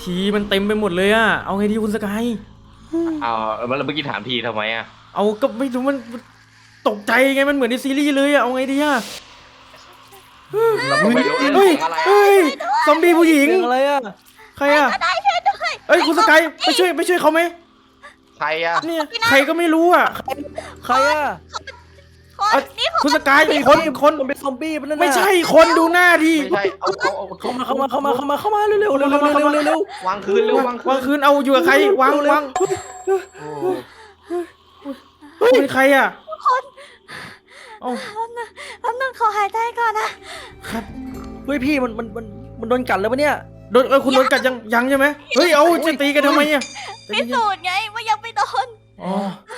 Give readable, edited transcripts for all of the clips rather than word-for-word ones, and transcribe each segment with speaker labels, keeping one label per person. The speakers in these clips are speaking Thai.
Speaker 1: ผีมันเต็มไปหมดเลยอะเอาไงดีคุณสกาย
Speaker 2: เอาแล้วเมื่อกี้ถามทีทำไมอ่ะ
Speaker 1: เอาก็ไม่รู้มันตกใจไงมันเหมือนในซีรีส์เลยอะเอาไงดีอะ
Speaker 2: เราก็ไม่รู้
Speaker 1: เฮ้ย
Speaker 2: ของอะไร
Speaker 1: เฮ้ยซอมบี้ผู้หญิง
Speaker 3: เสียงอะไรอ่ะ
Speaker 1: ใครอะเอ้ยคุณสกายไปช่วยเขาไหม
Speaker 2: ใครอ่ะ
Speaker 1: เนี่ยใครก็ไม่รู้อะ
Speaker 3: ใครอ่ะ
Speaker 1: คุณสกายคน
Speaker 3: มันเป็นซอมบี้มันนั่นน่ะ
Speaker 1: ไม่ใช่คนดูหน้าดิ
Speaker 2: ไม่ใช่เอา
Speaker 3: เข้ามาเร็ว
Speaker 2: วางคืนเร็ววางคื
Speaker 1: วาง
Speaker 2: น
Speaker 1: คืนเอาอยู่กับใครวาง
Speaker 2: โอ้
Speaker 1: เป็นใครอะเอา
Speaker 4: แป๊บนึงขอหายใจก่อนนะครับ
Speaker 3: เฮ้ยพี่มันโดนกัดแล้วปะเนี่ย
Speaker 1: โดนคุณโดนกัดยังใช่ไหมเฮ้ยเอาจะตีกันทำไมอะ
Speaker 4: พิสูจน์ไงว่ายังไม่โดน
Speaker 1: อ๋อ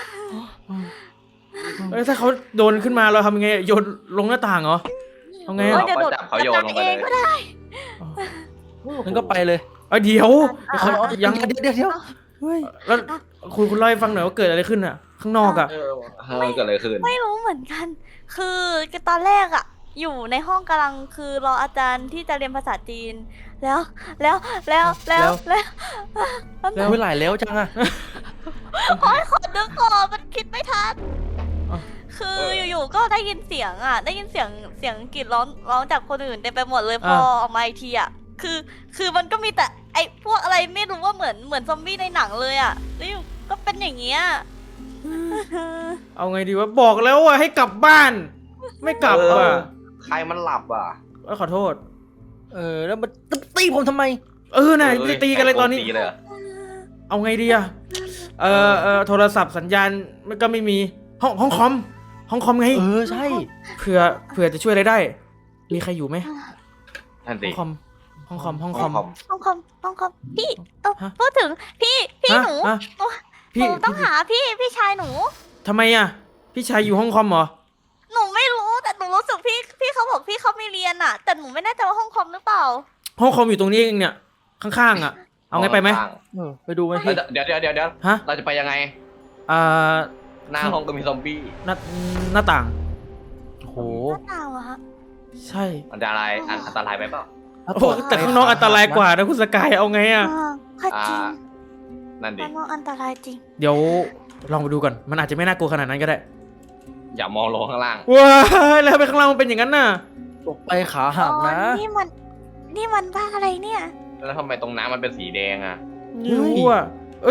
Speaker 1: ถ้าเขาโดนขึ้นมาเราทำยังไงโยนลงหน้าต่างเหรอเอาไง
Speaker 4: เออ
Speaker 1: อะ
Speaker 4: เดี๋ยวโดด
Speaker 2: เขาโยนลงไป
Speaker 4: เอ
Speaker 2: เล
Speaker 4: ง
Speaker 2: ย
Speaker 4: ก็ได้
Speaker 3: งั้นก็ไปเลย
Speaker 1: เดี๋ยวเขายัง
Speaker 3: เดี๋ยวเฮ้ย
Speaker 1: แล้วคุณเล่าให้ฟังหน่อยว่าเกิดอะไรขึ้นอะข้างนอกอะ
Speaker 2: เเกิดอะไรขึ้น
Speaker 4: ไม่รู้เหมือนกัน คือตอนแรกอะอยู่ในห้องกำลังคือรออาจารย์ที่จะเรียนภาษาจีน แล้ว
Speaker 1: แล้ว
Speaker 3: เมื่อไหร่แล้วจังอ่ะ
Speaker 4: โอ๊ยขอนึกก่อนมันคิดไม่ทัน คืออยู่ๆก็ได้ยินเสียงอะได้ยินเสียงกรีดร้องจากคนอื่นเต็มไปหมดเลยพอออกมาอีกทีอะคือมันก็มีแต่ไอ้พวกอะไรไม่รู้ว่าเหมือนซอมบี้ในหนังเลยอะแล้วอยู่ก็เป็นอย่างเงี้ย
Speaker 1: เอาไงดีวะบอกแล้วว่าให้กลับบ้าน ไม่กลับอะ
Speaker 2: ใครมันหลับอ่ะ
Speaker 1: ขอโทษ
Speaker 3: แล้วมันตีผมทำไม
Speaker 1: น่ะตีกันเลยตอนนี้
Speaker 2: เลยเหรอ
Speaker 1: เอาไงดีอะโทรศัพท์สัญญาณมันก็ไม่มีห้องคอมไง
Speaker 3: ใช่
Speaker 1: เผื่อจะช่วยอะไรได้ มีใครอยู่ไหม
Speaker 2: นั่น
Speaker 1: ห้
Speaker 2: สิ
Speaker 1: องคอมห้องคอม
Speaker 4: ห้องคอมพี่
Speaker 1: ฮะ
Speaker 4: พูดถึงพี่หนู
Speaker 1: ฮะ
Speaker 4: หนู
Speaker 1: พี่
Speaker 4: ต้องหาพี่ชายหนู
Speaker 1: ทำไมอะพี่ชายอยู่ห้องคอมเหรอ
Speaker 4: หนูไม่รู้แต่หนูรู้สึกพี่เขาบอกพี่เขามีเรียนอะแต่หนูไม่แน่ใจว่าห้องคอมหรือเปล่า
Speaker 1: ห้องคอมอยู่ตรงนี้เองเนี่ยข้างๆอะเอาไงไปไหม
Speaker 3: ไปดูไหมพี่
Speaker 2: เดี๋ยว
Speaker 1: ฮะ
Speaker 2: เราจะไปยังไง
Speaker 1: อ่า
Speaker 2: หน้าห้องก็มีซอมบี้
Speaker 1: หน้าต่าง
Speaker 3: โอ้โห
Speaker 4: หน้าต่างเหรอฮะ
Speaker 1: ใช่
Speaker 2: อันตรายไหมเปล่า
Speaker 1: โอ้แต่ข้างนอกอันตรายกว่านะคุณสกายเอาไงอะ
Speaker 4: ค่ะจริง
Speaker 2: นั่นดิ
Speaker 4: ข้างนอกอันตรายจริง
Speaker 1: เดี๋ยวลองไปดูก่อนมันอาจจะไม่น่ากลัวขนาดนั้นก็ได้
Speaker 2: อย่ามองลงข้างล่าง
Speaker 1: ว้ายแล้วไปข้างล่างมันเป็นอย่างนั้นน่ะ
Speaker 3: ตกไปขาหักนะ
Speaker 4: อ๋อนี่มันบ้าอะไรเนี่ย
Speaker 2: แล้วทำไมตรงน้ำมันเป็นสีแดงอ่ะ
Speaker 1: ไม่รู้อ่ะ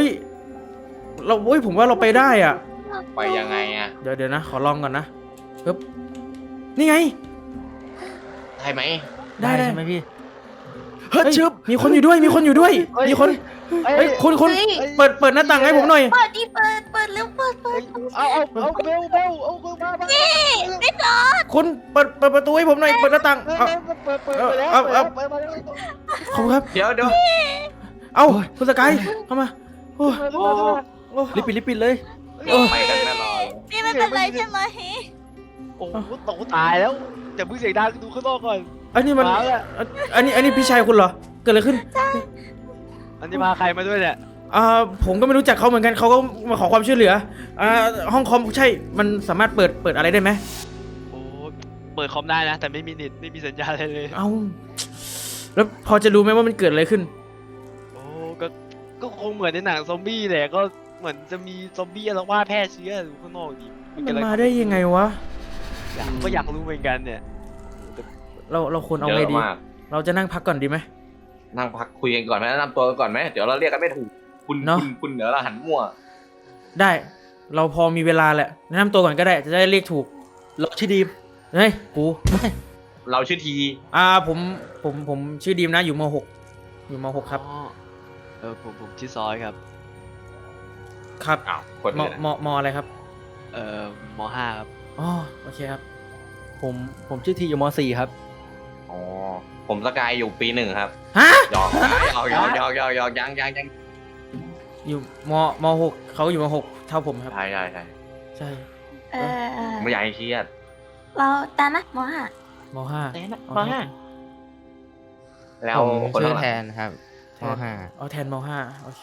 Speaker 1: ผมว่าเราไปได้อ่ะ
Speaker 2: ไปยังไงอ่ะ
Speaker 1: เดี๋ยวนะขอลองก่อนนะปึ๊บนี่ไง
Speaker 2: ได้ไหม
Speaker 1: ได้
Speaker 3: ใช่ไหมพี่
Speaker 1: เฮ้ยมีคนอยู่ด้วยมีคนคุณเปิดหน้าต่างให้ผมหน่อย
Speaker 4: เปิดดิเปิดเร็วเปิด
Speaker 3: เอาเบลมา
Speaker 4: ไม่จอด
Speaker 1: คุณเปิดประตูให้ผมหน่อยเปิดหน้าต่าง
Speaker 3: เปิดแล้ว
Speaker 1: ขอบคุณครับ
Speaker 2: เดี๋ยว
Speaker 1: เอ้าคุณสกายเข้ามาโอ้
Speaker 3: รีบปิดเลย
Speaker 2: ไปกันแน่นอน
Speaker 4: พี่ไม่เป็นไรใช่ไหม
Speaker 5: โอ้โหตกตายแล้วอย่าเพิ่งเสียงดังดูข้างนอกก่อน
Speaker 1: อันนี้มัน
Speaker 5: มาแล้ว
Speaker 1: อันนี้พี่ชายคุณเหรอเกิดอะไรขึ้น
Speaker 5: อันนี้มาใครมาด้วยเนี่ย
Speaker 1: ผมก็ไม่รู้จักเขาเหมือนกันเขาก็มาขอความช่วยเหลือห้องคอมใช่มันสามารถเปิดอะไรได้ไหม
Speaker 5: โอ้เปิดคอมได้นะ แต่ไม่มีเน็ตไม่มีสัญญาณอะไรเลย
Speaker 1: เอ้าแล้วพอจะรู้ไหมว่ามันเกิดอะไรขึ้น
Speaker 5: โอ้ก็คงเหมือนในหนังซอมบี้แหละก็เหมือนจะมีซอมบี้อาละวาดแพร่เชื้ออยู่ข้างนอกดิ
Speaker 1: มันมาได้ยังไงวะ
Speaker 5: ก็อยากรู้เหมือนกันเนี่ย
Speaker 1: เราควรเอา
Speaker 2: เย
Speaker 1: ไง
Speaker 2: อะ
Speaker 1: ดี
Speaker 2: มาก
Speaker 1: เราจะนั่งพักก่อนดีไหม
Speaker 2: นั่งพักคุยกันก่อนไหมแนะนำตัวกันก่อนไหมเดี๋ยวเราเรียกกันไม่ถูกคุณเดี๋ยวเราหันมั่ว
Speaker 1: ได้เราพอมีเวลาแหละแนะนำตัวก่อนก็ได้จะได้เรียกถูก
Speaker 3: เราชื่อดีม
Speaker 1: เฮ้ยกู
Speaker 2: เราชื่อที
Speaker 1: ผมชื่อดีมนะอยู่ม .6 อยู่ม .6 ครับ
Speaker 5: ผมชื่อซอยครับ
Speaker 1: ครับ
Speaker 2: อ้าวคน
Speaker 1: ม
Speaker 2: นี้นะ
Speaker 1: มอะไรครับ
Speaker 5: มห้าครับ
Speaker 1: อ๋อโอเคครับ
Speaker 3: ผมชื่อทีอยู่ม .4 ครับ
Speaker 2: อ๋อผมสกายอยู่ปี 1ครับ
Speaker 1: ฮะ
Speaker 2: หยอกยัง
Speaker 1: อยู่ม .6 เขาอยู่ม .6 เท่าผมครับ
Speaker 2: ใช่
Speaker 1: ใช่
Speaker 2: ไม่อยากให้เครียด
Speaker 4: เราตานะหมอฮะ
Speaker 1: ม .5
Speaker 3: ม .5
Speaker 2: แล้ว
Speaker 6: ผม
Speaker 2: คน
Speaker 6: ชื่อ
Speaker 2: ละ
Speaker 6: แทนครับม
Speaker 1: เอาแทนม .5 โอเค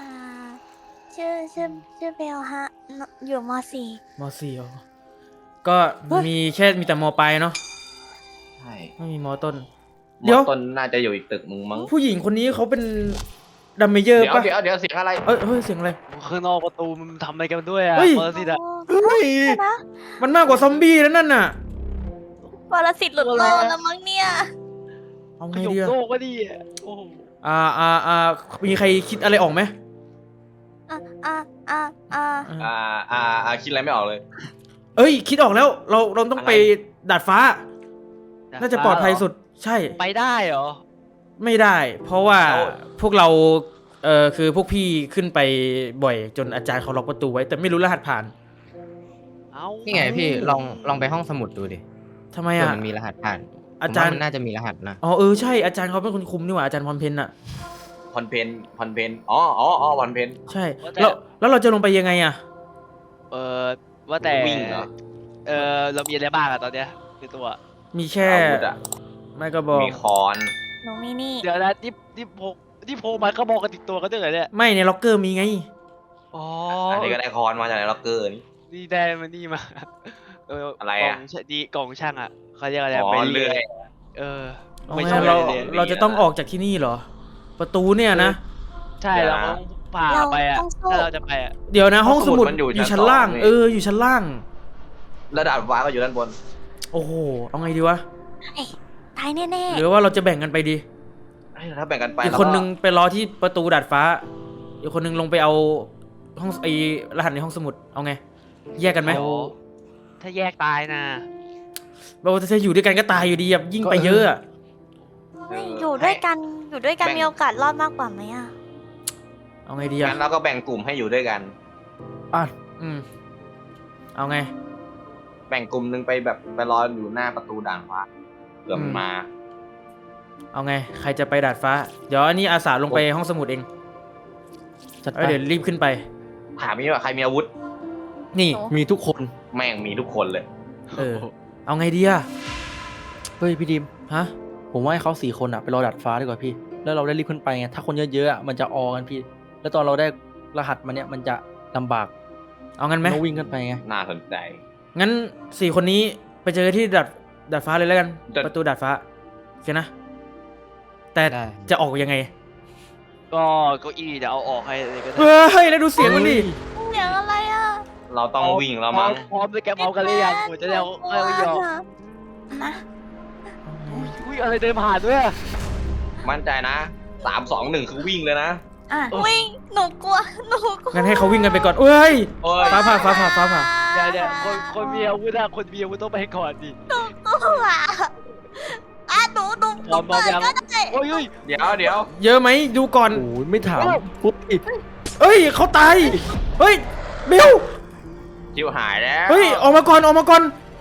Speaker 4: ชื่อเบลฮะอยู่ม .4
Speaker 1: ม .4 อ๋อก็มีแต่มปลายเนาะ
Speaker 2: ใช่
Speaker 1: ไม่มีมต้น เดี๋ยว
Speaker 2: ต้นน่าจะอยู่อีกตึกมึงมั้ง
Speaker 1: ผู้หญิงคนนี้เขาเป็นดัมเมเยอร์
Speaker 2: เดี๋ยว
Speaker 1: ปะ
Speaker 2: เดี๋ยวเสียงอะไร
Speaker 1: เฮ้ยเสียงอะไร
Speaker 5: ข้างนอกประตูมันทำอะไรกันด้วยอ่ะ
Speaker 1: เฮ้ย
Speaker 5: ปรสิตอ่ะ
Speaker 1: เฮ้ย
Speaker 4: นะ
Speaker 1: มันมากกว่าซอมบี้แล้วนั่นน่ะ
Speaker 4: ปรสิตหลุดโลกแล้วมั้งเนี่ย
Speaker 1: เอา
Speaker 5: ข
Speaker 1: ไง
Speaker 5: ยม
Speaker 1: ดีอะ
Speaker 5: โลกก็ดีอ่ะโอ้โห
Speaker 1: มีใครคิดอะไรออกไหม
Speaker 4: อ่ะอ่ะอ่ะอ่ะ
Speaker 2: คิดอะไรไม่ออกเลย
Speaker 1: เอ้ย คิดออกแล้วเราต้องไปดาดฟ้า น่าจะปลอดภัยสุดใช่
Speaker 5: ไปได้เหรอ
Speaker 1: ไม่ได้ เพราะว่า
Speaker 2: เอา
Speaker 1: พวกเราคือพวกพี่ขึ้นไปบ่อยจนอาจารย์เขาล็อกประตูไว้ แต่ไม่รู้รหัสผ่าน
Speaker 5: เอ้า
Speaker 6: นี่ไงพี่ลองไปห้องสมุดดูดิ
Speaker 1: ทำไม
Speaker 6: เผื่อ
Speaker 1: อ่ะ
Speaker 6: มันมีรหัสผ่าน
Speaker 1: อาจารย์
Speaker 6: ผมว่มันน่าจะมีรหัสนะ
Speaker 1: อ๋อใช่อาจารย์เขาเป็นคนคุมนี่หว่าอาจารย์พรเพนอ่ะ
Speaker 2: พรเพนอ๋อพรเพน
Speaker 1: ใช่แล้วเราจะลงไปยังไงอ่ะ
Speaker 5: ว่าแต่
Speaker 2: วิ่งเหรอ
Speaker 5: เรามีอะไรบ้างอะตอนเนี้ยในตัว
Speaker 1: มีแค่
Speaker 2: อาวุธอะ
Speaker 1: ไม่ก็บอก
Speaker 2: มีคอน
Speaker 4: หนูมีนี่
Speaker 5: เดี๋ยวนะที่โพมันก็บอกกันติดตัวกันด้วยเหรอเนี่ย
Speaker 1: ไม่ในล็อกเกอร์มีไง
Speaker 5: อ๋อ
Speaker 2: อันนี้ก็ได้คอนมาจากในล็อกเกอร์นี่
Speaker 5: นี่ได้มานี่มาอะไร
Speaker 2: อะ
Speaker 5: กล่องช่างอะเขาเรียกอะไร
Speaker 2: อ๋อ
Speaker 5: ไป
Speaker 2: เลื่อย
Speaker 5: เออ
Speaker 1: เอา
Speaker 5: ไม่
Speaker 1: ไง
Speaker 5: ใช่
Speaker 1: เรา
Speaker 5: เลย
Speaker 1: เราจะต้องออกจากที่นี่เหรอ ประตูเนี่ยนะ
Speaker 5: ใช่เราต้องผ่าไปอะถ้าเราจะไปอะ
Speaker 1: เดี๋ยวนะห้องสมุด
Speaker 2: มันอยู่
Speaker 1: อยู่ชั้น
Speaker 2: ชั้น
Speaker 1: ล่าง
Speaker 2: สองนี่
Speaker 1: อยู่ชั้นล่าง
Speaker 2: ระดับฟ้าก็อยู่ด้านบน
Speaker 1: โอ้โหเอาไงดีวะ
Speaker 4: ตายแน่
Speaker 1: หรือว่าเราจะแบ่งกันไปดี
Speaker 2: ถ้าแบ่งกันไป
Speaker 1: อีกคนนึงไปรอที่ประตูดาดฟ้า อีกคนนึงลงไปเอาห้องรหัสในห้องสมุด เอาไง แยกกันไหม
Speaker 5: โอ้ถ้าแยกตายนะ
Speaker 1: เราจะอยู่ด้วยกันก็ตายอยู่ดีอะยิ่งไปเยอะอะ
Speaker 4: ๆไม่อยู่ด้วยกันมีโอกาสรอดมากกว่าไหมอ่ะ
Speaker 1: เอาไงดีอะ
Speaker 2: งั้นเราก็แบ่งกลุ่มให้อยู่ด้วยกัน
Speaker 1: อืมเอาไง
Speaker 2: แบ่งกลุ่มหนึงไปแบบไปรออยู่หน้าประตูด่านฟ้าเผื่อมันมา
Speaker 1: เอาไง ใครจะไปดาดฟ้า เดี๋ยวอันนี้อาสาลงไปห้องสมุดเอง
Speaker 3: จัดไป
Speaker 1: เดี๋ยวรีบขึ้นไป
Speaker 2: ถามนี่ว่าใครมีอาวุธ
Speaker 1: นี่
Speaker 3: มีทุกคน
Speaker 2: แม่งมีทุกคนเลย
Speaker 1: เอาไงดีอะ
Speaker 3: เฮ้ยพี่ดิม
Speaker 1: ฮะ
Speaker 3: ผมว่าให้เขา4 คนอะไปรอดัดฟ้าดีกว่าพี่ แล้วเราได้รีบขึ้นไปไงถ้าคนเยอะๆอะมันจะออกันพี่ แล้วตอนเราได้รหัสมาเนี่ยมันจะลำบาก
Speaker 1: เอางั้นไหม
Speaker 3: ต้องวิ่งขึ้นไปไง
Speaker 2: น่าสนใจ
Speaker 1: งั้น4 คนนี้ไปเจอที่ดาดฟ้าเลยแล้วกัน
Speaker 2: แต่
Speaker 1: ประตูดาดฟ้าโอเคนะ แต่
Speaker 6: ได้
Speaker 1: จะออกยังไง
Speaker 5: ก็เก้าอี้เดี๋ยวเอาออกให้เลยก็ได้
Speaker 1: เฮ้ย แล้วดูเสียงมันดิ
Speaker 4: เสียงอะไรอ่ะ
Speaker 2: เราต้องวิ่งแล้วมั้ง
Speaker 5: พร้อมด้วยแกเมากันหรือยังผมจะได้เอาเข้าไปยอม
Speaker 4: นะ
Speaker 5: อุ้ยอะไรเดินผ่านด้วยอะ
Speaker 2: มั่นใจนะ3-2-1คือวิ่งเลยนะ
Speaker 4: อ่ะวิ่งหนูกลัว
Speaker 1: งั้นให้เขาวิ่งกันไปก่อนเอ้ย
Speaker 2: โอ้ย
Speaker 1: ฟ้าผ่า
Speaker 5: เดี๋ยวคนมีอาวุธอะคนมีอาวุธต้องไปก่อนดิ
Speaker 4: กลัวอ่ะหนู
Speaker 5: พร้อม
Speaker 4: เปิด
Speaker 5: ยัง
Speaker 4: ก็ได้
Speaker 5: โอ้ย
Speaker 2: เดี๋ยว
Speaker 1: เยอะไหมดูก่อน
Speaker 3: โอ้ยไม่ถามปุ๊บอีก
Speaker 1: เอ้ยเขาตาย เฮ้ยเบล
Speaker 2: จิวหายแล้ว
Speaker 1: เฮ้ยออกมาก่อนออกมาก่อน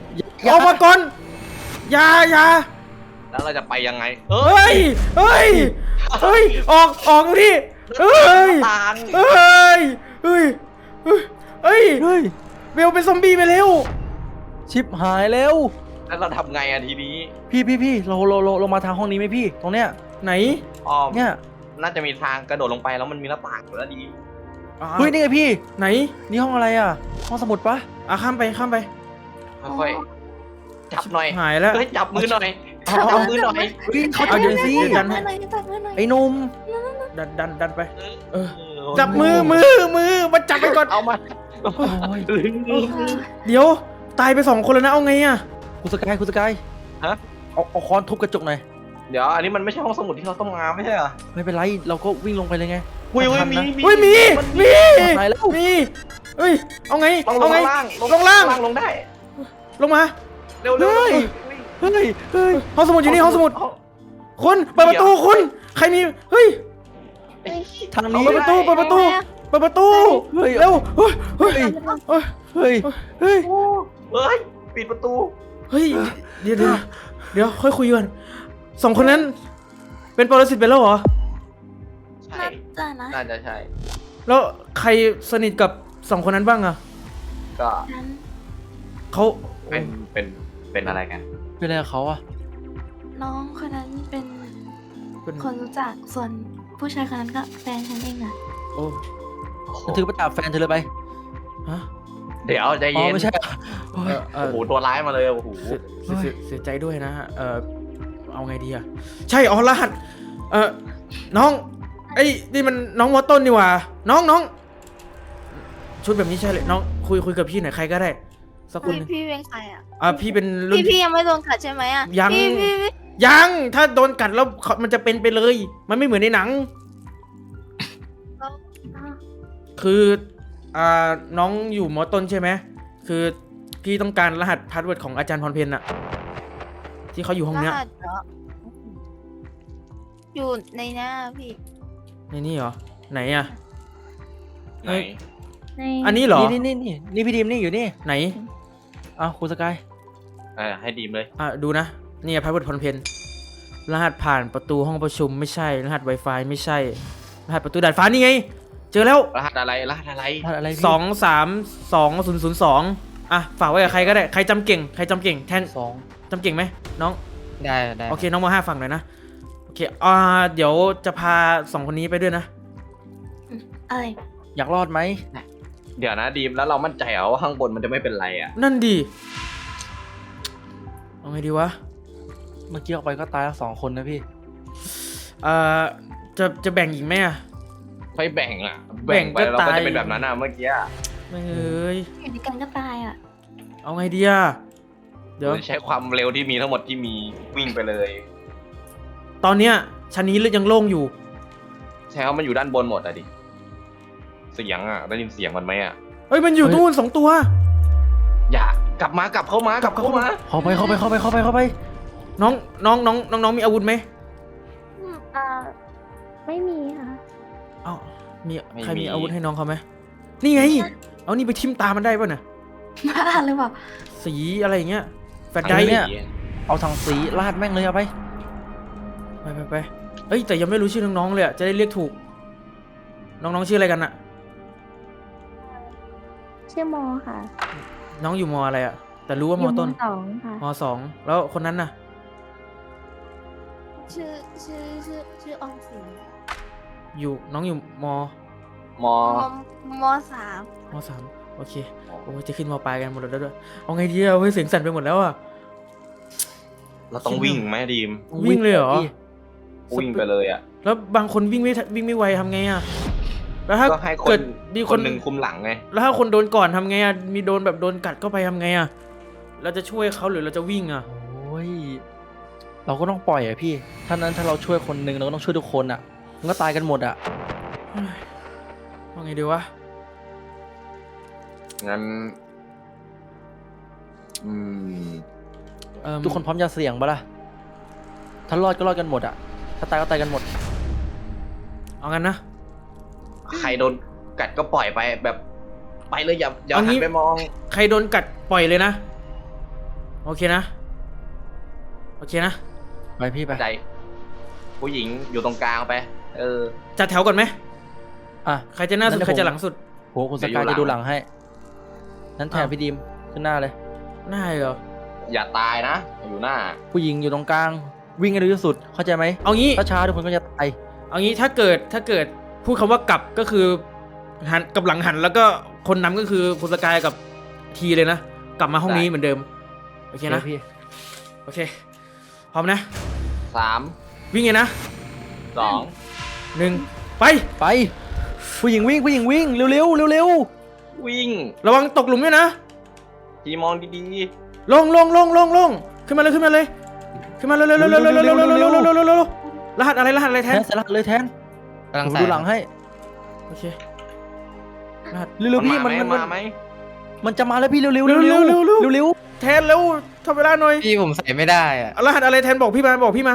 Speaker 1: อย่า
Speaker 2: แล้วเราจะไปยังไง
Speaker 1: เฮ้ยออกดิเฮ้ย
Speaker 2: ตาง
Speaker 1: เฮ้ยเบลเป็นซอมบี้ไปแล้ว
Speaker 3: ชิปหายแล้ว
Speaker 2: แล้วเราทำไงอะทีนี้
Speaker 3: พี่เรามาทางห้องนี้ไหมพี่ ตรงเนี้ย
Speaker 1: ไหน
Speaker 2: อ้อม
Speaker 3: เนี่ย
Speaker 2: น่าจะมีทางกระโดดลงไปแล้วมันมีหน้าต่างอยู่แล้วดี
Speaker 3: เฮ้ยนี่ไงพี่
Speaker 1: ไหน
Speaker 3: นี่ห้องอะไรอ่ะ ห้องสมุดปะ
Speaker 1: ข้ามไป
Speaker 2: ค่อยๆจับหน่อย
Speaker 1: หายแล้ว
Speaker 2: เฮ้ยจับมือหน่อยจับมือหน่อย
Speaker 3: เฮ้ยเขา
Speaker 1: เอา
Speaker 3: จะ
Speaker 1: เดี๋ยว
Speaker 3: สิ
Speaker 1: ดันให้
Speaker 3: ไอ้หนุ่ม
Speaker 1: ดันไป จับมือมาจับไปก่อน
Speaker 2: เอามา
Speaker 3: โอ้ย
Speaker 1: เดี๋ยวตายไป2 คนแล้วนะเอาไงอะ
Speaker 3: คุณสกาย
Speaker 2: ฮะ
Speaker 3: เอาค้อนทุบกระจกหน่อย
Speaker 2: เดี๋ยวอันนี้มันไม่ใช่ห้องสมุดที่เราต้องมาไม่ใช่เหรอ
Speaker 3: ไม่เป็นไรเราก็วิ่งลงไปเลยไง
Speaker 2: อุ้ย
Speaker 3: ทันนะ
Speaker 1: เฮ้ยมี
Speaker 3: ตายแล้ว
Speaker 1: เฮ้ยเอาไง
Speaker 2: ต้องล
Speaker 1: เอา
Speaker 2: ง
Speaker 1: ไง
Speaker 2: ล่าง
Speaker 1: ลงล่าง
Speaker 2: ลงได้
Speaker 1: ลงมา
Speaker 2: เร็ว
Speaker 1: เฮ้ย
Speaker 3: เฮ้ย
Speaker 1: ห้องสมุดอยู่นี่ห้องสมุดคุณเปิดประตูคุณใครมีเฮ้ย
Speaker 3: ทางนี้
Speaker 1: เปิดประตูเร็วเฮ้ย
Speaker 3: เฮ้ย
Speaker 2: เฮ้ยปิดประตู
Speaker 1: เฮ้ยเดี๋ยวค่อยคุยกัน2 คนนั้น เป็นปรสิตไปแล้วเหรอ
Speaker 2: ใช่
Speaker 4: น่าจะนะ
Speaker 2: น่าจะใช่
Speaker 1: แล้วใครสนิทกับ2 คนนั้นบ้างอะ
Speaker 2: ก็
Speaker 4: นั้น
Speaker 1: เขา
Speaker 2: เป็นอะไรกัน
Speaker 3: เป็นอะไรกับเขาอ่ะ
Speaker 7: น้องคนนั้นเป็น
Speaker 1: เป็น
Speaker 7: คนรู้จักส่วนผู้ชายคนนั้นก็แฟนฉันเองนะ
Speaker 1: โอ้
Speaker 3: ฉันถือไปตามแฟนเธอเลยไป
Speaker 1: ฮะ
Speaker 2: เดี๋ยวใจ
Speaker 3: อ๋อ
Speaker 2: เย็น
Speaker 3: ไม่ใช่เหรอโอ้ย
Speaker 2: โอ้โหตัวร้ายมาเลยโอ้โห
Speaker 1: เสียใจด้วยนะเอาไงดีอะใช่รหัสน้องไอ้ยนี่มันน้องมอต้นนี่หว่าน้องชุดแบบนี้ใช่เลยน้องคุยกับพี่หน่อยใครก็ได้สักคนหนึง
Speaker 7: พี่เป็นใครอ่ะ
Speaker 1: พี่เป็นรุ่น
Speaker 7: พี่ยังไม่โดนกัดใช่ไหมอ่ะ
Speaker 1: ยัง
Speaker 7: พี่
Speaker 1: ยังถ้าโดนกัดแล้วมันจะเป็นไปเลย มันไม่เหมือนในหนัง คือน้องอยู่มอต้นใช่ไหมคือพี่ต้องการรหัสพาสเวิร์ดของอาจารย์พรเพนอะที่เขาอยู่ห้องเนี้ย
Speaker 7: รหัสเหรออยู่ในหน้าพี่
Speaker 1: ในนี่เหรอไหนอะ
Speaker 2: ไหน
Speaker 1: อันนี้เหรอ
Speaker 3: นี่พี่ดีมนี่อยู่นี่
Speaker 1: ไหน
Speaker 3: อ้าวคุณสกาย
Speaker 2: ให้ดีมเลย
Speaker 1: ดูนะนี่พาสเวิร์ดพรเพนรหัสผ่านประตูห้องประชุมไม่ใช่รหัส Wi-Fi ไม่ใช่รหัสประตูดาดฟ้านี่ไง เจอแล้ว
Speaker 2: รหัสอะไรรหัสอะไร
Speaker 3: พลาดอะไรพี่
Speaker 1: 2322002ฝากไว้กับใครก็ได้ใครจำเก่งแทน
Speaker 3: สอง
Speaker 1: จำเก่งไหมน้อง
Speaker 6: ได้
Speaker 1: โอเคน้องม5ฟังหน่อยนะโอเคเดี๋ยวจะพา2คนนี้ไปด้วยนะ
Speaker 7: อะไร
Speaker 3: อยากรอดไหม
Speaker 2: เดี๋ยวนะดีมแล้วเรามั่นใจเหรอว่าข้างบนมันจะไม่เป็นไรอ่ะ
Speaker 1: นั่นดีเอาไงดีวะ
Speaker 3: เมื่อกี้ออกไปก็ตายทั้ง2 คนนะพี่
Speaker 1: จะแบ่งอีกไหมอะ
Speaker 2: ค่อยแบ่งอ่ะ
Speaker 1: แบ่ง
Speaker 2: ไป
Speaker 1: ก็
Speaker 2: เราก็
Speaker 1: ตาย
Speaker 2: จะเป็นแบบนั้นอ่ะเมื่อกี้อะ
Speaker 1: ไม่เอ้ย
Speaker 7: อยู่ด้วยกันก็ตายอ่ะ
Speaker 1: เอาไงดีอะเดี๋ยว
Speaker 2: ใช้ความเร็วที่มีทั้งหมดที่มีวิ่งไปเลย
Speaker 1: ตอนเนี้ยชั้นนี้ยังโล่งอยู่
Speaker 2: ใช่ว่ามันอยู่ด้านบนหมดอะดิเสียงอ่ะได้ยินเสียงมันไหมอ่ะ
Speaker 1: เฮ้ยมันอยู่นู่น2 ตัว
Speaker 2: อย่ากลับเข้ามา
Speaker 1: เข้ามา
Speaker 3: เข้าไป
Speaker 1: น้องมีอาวุธไหม
Speaker 7: ไม่มีค่ะ
Speaker 1: เอ้ามีใครมีอาวุธให้น้องเขาไหมนี่ไงเอานี่ไปทิ่มตามันได้ป่ะน่ะ
Speaker 7: บ้าหรือเปล่า
Speaker 1: สีอะไรอย่างเงี้ยแฟลช
Speaker 3: อ้
Speaker 1: ไดรฟ์
Speaker 3: เนี่ย เอาถังสีราดแม่งเลยเอาไป
Speaker 1: ไปเอ้ยแต่ยังไม่รู้ชื่อน้องๆเลยอะจะได้เรียกถูก น้องๆชื่ออะไรกันอะ
Speaker 8: ชื่อโมค่ะ
Speaker 1: น้องอยู่มอะไรอะแต่รู้ว่ามต้น
Speaker 8: สองค่ะ
Speaker 1: มสองแล้วคนนั้นน่ะ
Speaker 7: ชื่อออมสิน
Speaker 1: น้องอยู่ม
Speaker 2: มอ
Speaker 7: มสาม
Speaker 1: มสามโอเคโอ้ยจะขึ้นมปลายกันหมดแล้วด้วยเอาไงดีอะเฮ้ยเสียงสั่นไปหมดแล้วอะ
Speaker 2: เราต้องวิ่งไหมดีม
Speaker 1: วิ่งเลยเหรอ
Speaker 2: วิ่งไปเลยอ่ะ
Speaker 1: แล้วบางคนวิ่งไม่ไวทำไงอะแล้วถ้า
Speaker 2: ก็ให้ค
Speaker 1: เกิ
Speaker 2: น
Speaker 1: ดมี
Speaker 2: คนหนึ่งคุมหลังไง
Speaker 1: แล้วถ้าคนโดนก่อนทำไงอะมีโดนแบบโดนกัดเข้าไปทำไงอะเราจะช่วยเขาหรือเราจะวิ่งอะ
Speaker 3: โอ้ย เราก็ต้องปล่อยอะพี่ถ้านั้นถ้าเราช่วยคนหนึ่งเราก็ต้องช่วยทุกคนอะมันก็ตายกันหมดอะ
Speaker 1: เฮ้ยว่าไงดีวะ
Speaker 2: งั้น
Speaker 3: ทุกคนพร้อมจะเสี่ยงปะล่ะถ้ารอดก็รอดกันหมดอะถ้าตายก็ตายกันหมด
Speaker 1: เอางั้นนะ
Speaker 2: ใครโดนกัดก็ปล่อยไปแบบไปเลยอย่า
Speaker 1: เอา
Speaker 2: หั
Speaker 1: งี้
Speaker 2: นไปมอง
Speaker 1: ใครโดนกัดปล่อยเลยนะโอเคนะ
Speaker 3: ไปพี่ไป
Speaker 2: ใจ ผู้หญิงอยู่ตรงกลางไป
Speaker 1: จัดแถวก่อนไหม
Speaker 3: อ่ะ
Speaker 1: ใครจะหน้าสุด
Speaker 3: งั้น
Speaker 1: ใครจะหลังสุด
Speaker 3: โหคุณสกายจะดูหลังให้ นั้นแทนพี่ดีมขึ้นหน้าเลย
Speaker 1: หน้าเหรอ
Speaker 2: อย่าตายนะอยู่หน้า
Speaker 3: ผู้หญิงอยู่ตรงกลาง วิ่งให้เร็วที่สุด เข้าใจไหม
Speaker 1: เอางี้
Speaker 3: ถ้าช้าทุกคนก็จะตาย
Speaker 1: เอางี้ถ้าเกิดพูดคำว่ากลับก็คือหันกับหลังหันแล้วก็คนนำก็คือคุณสกายกับทีเลยนะกลับมาห้องนี้เหมือนเดิมโอเคนะ
Speaker 3: พี่
Speaker 1: โอเคพร้อมนะ
Speaker 2: 3
Speaker 1: วิ่งไงนะ
Speaker 2: 2
Speaker 1: 1ไป
Speaker 3: ไป ผู้หญิงวิ่งเร็ว
Speaker 2: วิ่ง
Speaker 1: ระวังตกหลุมด้วยนะ
Speaker 2: ทีมองดี
Speaker 1: ลงขึ้นมาเลยขึ้นมาเลยเร็วรหัสอะไร
Speaker 3: ๆ
Speaker 1: แท
Speaker 3: แท
Speaker 1: น
Speaker 3: นเสร็จแล้วเลยแทน
Speaker 6: กำลัง
Speaker 3: ผม
Speaker 6: ใส่
Speaker 3: ดูหลังให้
Speaker 1: โอเครหัส
Speaker 2: ๆ
Speaker 3: เร็วๆพี่
Speaker 2: มัน
Speaker 3: มัน
Speaker 2: มาไหม
Speaker 3: มันจะมาแล้วพี่เร็วๆ
Speaker 1: เร็ว แทนเร็วทำเวลาหน่อย
Speaker 6: พี่ผมใส่ไม่ได้อ่ะ
Speaker 1: รหัสอะไรแทนบอกพี่มา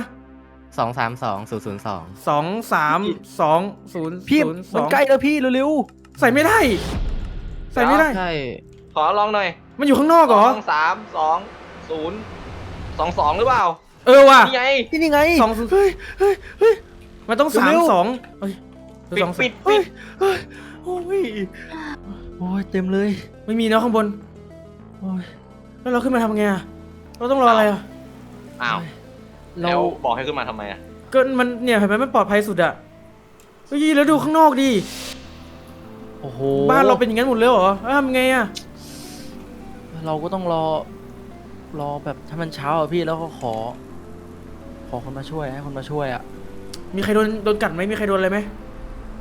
Speaker 6: 232002
Speaker 1: 2322002
Speaker 3: พี่มันใกล้แล้วพี่เร็ว
Speaker 1: ใส่ไม่ได้
Speaker 6: ใช่
Speaker 2: ขอลองหน่อย
Speaker 1: มันอยู่ข้างนอกเหรอ
Speaker 2: 23222หรือเปล่า
Speaker 1: เออว่ะ
Speaker 2: นี่ไง
Speaker 3: ๆนี่ไง
Speaker 1: 2 มันต้อง
Speaker 3: เร็ว
Speaker 1: 32เฮ้ย
Speaker 2: ปิด
Speaker 1: 2
Speaker 2: ปิด
Speaker 3: โอ้ยเต็มเลย
Speaker 1: ไม่มีเนาะข้างบน
Speaker 3: โอ้ย
Speaker 1: แล้วเราขึ้นมาทำไงอะเราต้องรออะไรอะ
Speaker 2: อ้าว
Speaker 3: เรา
Speaker 2: แล้วบอกให้ขึ้นมาทำไมอ่ะ
Speaker 1: ก็มันเนี่ยเห็นไหมมันปลอดภัยสุดอะเฮ้ยแล้วดูข้างนอกดิ
Speaker 3: โอ้โห
Speaker 1: บ้านเราเป็นอย่างนั้นหมดเลยเหรอแล้วทำไงอะ
Speaker 3: เราก็ต้องรอแบบถ้ามันเช้าอะพี่แล้วก็ขอคนมาช่วยให้คนมาช่วยอะ
Speaker 1: มีใครโดนกัดไหมมีใครโดนอะไรไหม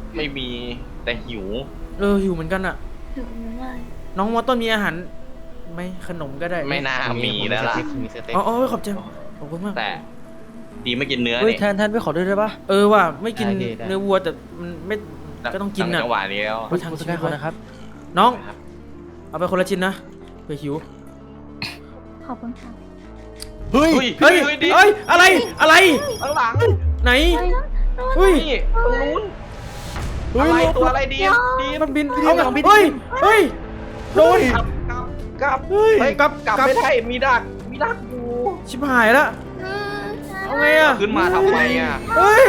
Speaker 2: ไม่มีแต่หิว
Speaker 1: หิวเหมือนกันอะ
Speaker 7: ถึงไม่ได้
Speaker 1: น้องมอต้นมีอาหารไหมขนมก็ได้
Speaker 2: ไม่น่ามีแล้วล่ะ
Speaker 6: มีสเต็ก
Speaker 1: อ๋อขอบใจขอบคุณมาก
Speaker 2: แต่ดีไม่กินเนื้อ
Speaker 3: เฮ้ย
Speaker 2: นี่
Speaker 3: แทนไปขอด้วยได้ปะ
Speaker 1: ว่ะไม่กินเนื้อวัวแต่มันไม่ก็ต้องกิน
Speaker 2: อะ
Speaker 1: อะ
Speaker 2: จังหวะนี้แล้ว
Speaker 1: เพราะทาง
Speaker 3: คุณส
Speaker 1: ชี
Speaker 3: กา
Speaker 1: วิ
Speaker 3: ย
Speaker 1: ต
Speaker 3: ขอนะครับ
Speaker 1: น้อง
Speaker 2: ครับ
Speaker 1: เอาไปคนละชิ้นนะเผื่อหิว
Speaker 7: ขอบคุณค่ะ
Speaker 3: เฮ้ย
Speaker 1: เฮ้ย
Speaker 2: ดิ
Speaker 1: เฮ้ยอะไร
Speaker 2: ข้างหลัง
Speaker 1: ไหน
Speaker 7: เฮ้ย
Speaker 1: เฮ้ย
Speaker 2: นี่ตรงนู้นอะไรตัวอะไรดีดี
Speaker 1: มันบิน
Speaker 3: เอาไงบิน
Speaker 1: เฮ้ยโดน
Speaker 2: กลับ
Speaker 1: เฮ้ย
Speaker 2: เฮ้ย
Speaker 1: กลับ
Speaker 2: กลับไม่ได้มีดักอยู่
Speaker 1: ชิบหายละเอาไงอะ
Speaker 2: ขึ้นมาทำไมอ่ะ
Speaker 1: เฮ้ย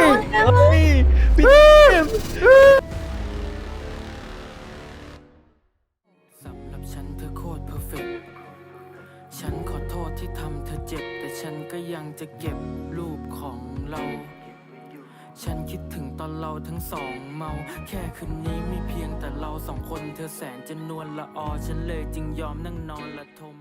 Speaker 8: สำหรับฉันเธอโคตรเพอร์เฟกต์ฉันขอโทษที่ทำเธอเจ็บ แต่ฉันก็ยังจะเก็บรูปของเรา ฉันคิดถึงตอนเราทั้งสองเมา แค่คืนนี้มีเพียงแต่เราสองคน เธอแสนจะนวลละออ ฉันเลยจึงยอมนั่งนอนละทม